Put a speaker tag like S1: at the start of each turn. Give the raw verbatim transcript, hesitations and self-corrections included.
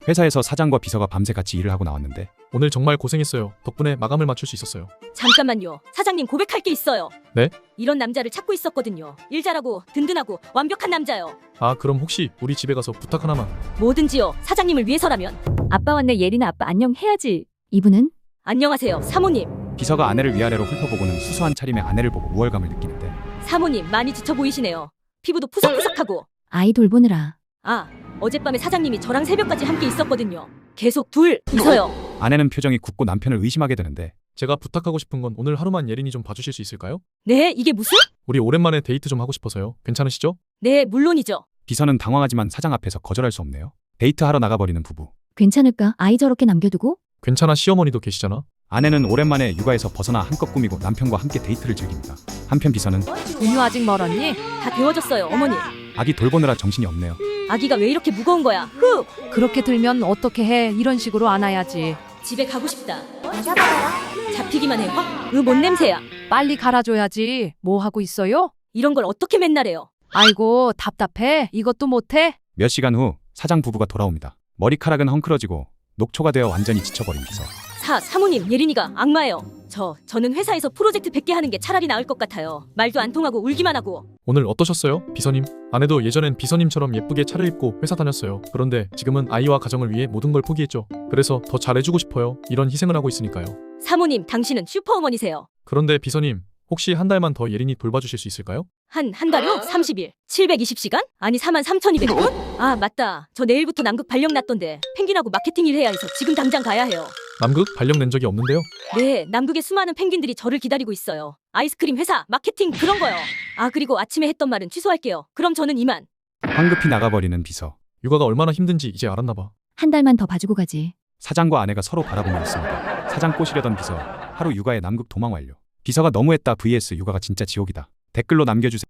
S1: 회사에서 사장과 비서가 밤새 같이 일을 하고 나왔는데
S2: 오늘 정말 고생했어요. 덕분에 마감을 맞출 수 있었어요.
S3: 잠깐만요. 사장님 고백할 게 있어요.
S2: 네?
S3: 이런 남자를 찾고 있었거든요. 일 잘하고 든든하고 완벽한 남자요.
S2: 아, 그럼 혹시 우리 집에 가서 부탁 하나만.
S3: 뭐든지요. 사장님을 위해서라면.
S4: 아빠 왔네. 예린아, 아빠 안녕 해야지. 이분은?
S3: 안녕하세요. 사모님.
S1: 비서가 아내를 위아래로 훑어보고는 수수한 차림의 아내를 보고 우월감을 느끼는데
S3: 사모님 많이 지쳐 보이시네요. 피부도 푸석푸석하고.
S4: 아이 돌보느라.
S3: 아, 어젯밤에 사장님이 저랑 새벽까지 함께 있었거든요. 계속 둘 이서요.
S1: 아내는 표정이 굳고 남편을 의심하게 되는데
S2: 제가 부탁하고 싶은 건 오늘 하루만 예린이 좀 봐주실 수 있을까요?
S3: 네, 이게 무슨?
S2: 우리 오랜만에 데이트 좀 하고 싶어서요. 괜찮으시죠?
S3: 네, 물론이죠.
S1: 비서는 당황하지만 사장 앞에서 거절할 수 없네요. 데이트하러 나가버리는 부부.
S4: 괜찮을까? 아이 저렇게 남겨두고?
S2: 괜찮아, 시어머니도 계시잖아.
S1: 아내는 오랜만에 육아에서 벗어나 한껏 꾸미고 남편과 함께 데이트를 즐깁니다. 한편 비서는
S5: 분유 아직 멀었니?
S3: 다 데워졌어요, 어머니.
S1: 아기 돌보느라 정신이 없네요.
S3: 아기가 왜 이렇게 무거운 거야? 후!
S5: 그렇게 들면 어떻게 해? 이런 식으로 안아야지.
S3: 집에 가고 싶다. 잡히기만 해, 확. 으, 뭔 냄새야.
S5: 빨리 갈아줘야지. 뭐 하고 있어요?
S3: 이런 걸 어떻게 맨날 해요?
S5: 아이고, 답답해. 이것도 못해?
S1: 몇 시간 후 사장 부부가 돌아옵니다. 머리카락은 헝클어지고 녹초가 되어 완전히 지쳐버린 비서.
S3: 사, 사모님, 예린이가 악마예요. 저, 저는 회사에서 프로젝트 백 개 하는 게 차라리 나을 것 같아요. 말도 안 통하고 울기만 하고.
S2: 오늘 어떠셨어요? 비서님. 아내도 예전엔 비서님처럼 예쁘게 차려입고 회사 다녔어요. 그런데 지금은 아이와 가정을 위해 모든 걸 포기했죠. 그래서 더 잘해주고 싶어요. 이런 희생을 하고 있으니까요.
S3: 사모님, 당신은 슈퍼어머니세요.
S2: 그런데 비서님, 혹시 한 달만 더 예린이 돌봐주실 수 있을까요?
S3: 한, 한 달요? 삼십 일. 칠백이십 시간? 아니, 사만 삼천이백 원? 아, 맞다. 저 내일부터 남극 발령 났던데. 펭귄하고 마케팅 일 해야 해서 지금 당장 가야 해요.
S2: 남극 발령 낸 적이 없는데요.
S3: 네, 남극의 수많은 펭귄들이 저를 기다리고 있어요. 아이스크림 회사, 마케팅, 그런 거요. 아, 그리고 아침에 했던 말은 취소할게요. 그럼 저는 이만.
S1: 황급히 나가버리는 비서.
S2: 육아가 얼마나 힘든지 이제 알았나 봐.
S4: 한 달만 더 봐주고 가지.
S1: 사장과 아내가 서로 바라보고 있습니다. 사장 꼬시려던 비서. 하루 육아에 남극 도망 완료. 비서가 너무했다 vs 육아가 진짜 지옥이다. 댓글로 남겨주세요.